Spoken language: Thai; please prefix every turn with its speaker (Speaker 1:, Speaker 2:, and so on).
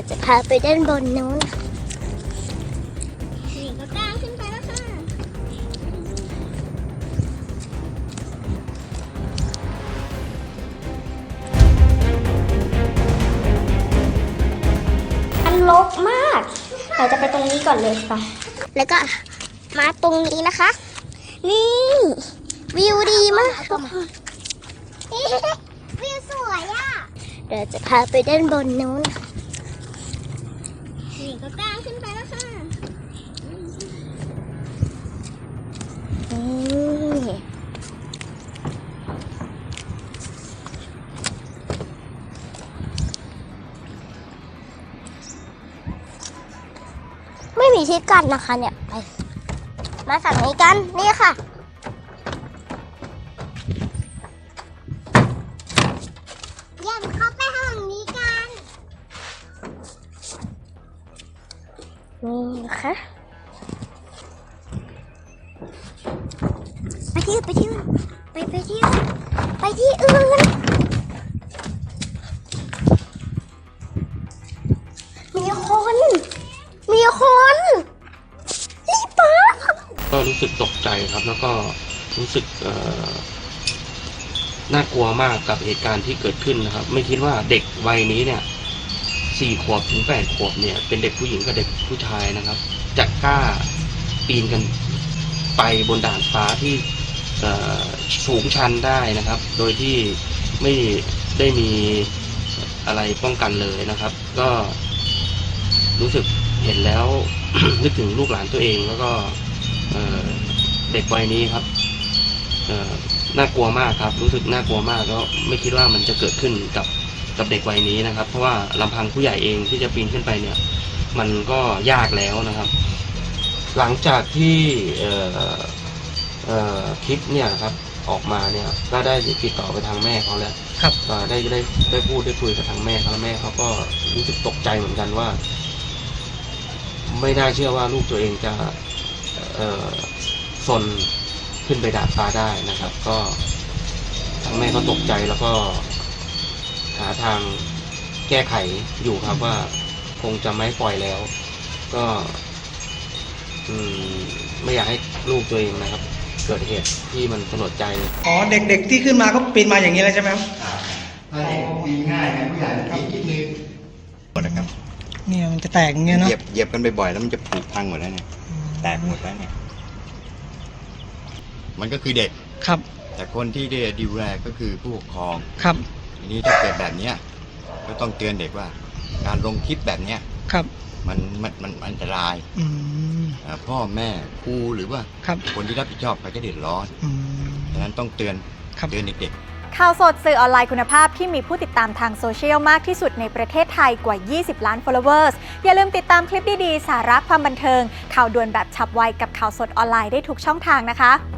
Speaker 1: จะพาไปด้านบนนู้นนี่ก็ก้าวขึ้นไปแล้วค่ะมันรกมากเราจะไปตรงนี้ก่อนเลยค่ะแล้วก็มาตรงนี้นะคะ นี่วิวดีมากทุกคนวิวสวยอ่ะเดี๋ยวจะพาไปด้านบนนู้นนี่ก็ก้าวขึ้นไปแล้วค่ะนี่ไม่มีที่กั้นนะคะเนี่ยไปมาฝั่งนี้กันนี่ค่ะย่ำเข้าไปห้องนี้กันนี่นะคะไปที่อื่นไปที่อื่นไปที่อื่นไปที่อื่นมีคนรีบมา
Speaker 2: ก็รู้สึกตกใจครับแล้วก็รู้สึกน่ากลัวมากกับเหตุการณ์ที่เกิดขึ้นนะครับไม่คิดว่าเด็กวัยนี้เนี่ย4 ขวบถึง 8 ขวบเนี่ยเป็นเด็กผู้หญิงกับเด็กผู้ชายนะครับจะกล้าปีนกันไปบนด่านฟ้าที่สูงชันได้นะครับโดยที่ไม่ได้มีอะไรป้องกันเลยนะครับก็รู้สึกเห็นแล้ว นึกถึงลูกหลานตัวเองแล้วก็เด็กวัยนี้ครับน่ากลัวมากครับรู้สึกน่ากลัวมากแล้วไม่คิดว่ามันจะเกิดขึ้นกับเด็กวัยนี้นะครับเพราะว่าลำพังผู้ใหญ่เองที่จะปีนขึ้นไปเนี่ยมันก็ยากแล้วนะครับ หลังจากที่คลิปเนี่ยครับออกมาเนี่ยก็ได้ติดต่อไปทางแม่เขาแล้วครับได้พูดได้คุยกับทางแม่เขาแล้วแม่เขาก็รู้สึกตกใจเหมือนกันว่าไม่น่าเชื่อว่าลูกตัวเองจะซนขึ้นไปดาดฟ้าได้นะครับก็ทางแม่ก็ตกใจแล้วก็หาทางแก้ไขอยู่ครับว่าคงจะไม่ปล่อยแล้วก็ไม่อยากให้ลูกตัวเองนะครับเกิดเหตุที่มันสลดใจ
Speaker 3: อ๋อเด็กๆที่ขึ้นมาก็ปีนมาอย่างนี้เลยใช่ไหมครับ
Speaker 4: ถ้าเด็กปีนง่ายนะผู้ใหญ่คิดนึงหมดนะครับ
Speaker 3: เนี่ยมันจะแตกอย่างเงี้ยเนาะ
Speaker 4: เหยียบกันบ่อยๆแล้วมันจะผุพังหมดแล้วเนี่ยแตกหมดแล้วเนี่ยมันก็คือเด็ก
Speaker 3: ครับ
Speaker 4: แต่คนที่ได้ดูแลก็คือผู้ปกครอง
Speaker 3: ครับ
Speaker 4: ทีนี้ถ้าเกิดแบบนี้ก็ต้องเตือนเด็กว่าการลงคลิปแบบเนี้ย
Speaker 3: ครับ
Speaker 4: มันอันตรายพ่อแม่ครูหรือว่าคนที่รับผิดชอบเขาจะเดือดร้อนดังนั้นต้องเตือนเด็กๆ
Speaker 5: ข่าวสดสื่อออนไลน์คุณภาพที่มีผู้ติดตามทางโซเชียลมากที่สุดในประเทศไทยกว่า 20 ล้าน followers อย่าลืมติดตามคลิปดีๆสาระความบันเทิงข่าวด่วนแบบฉับไวกับข่าวสดออนไลน์ได้ทุกช่องทางนะคะ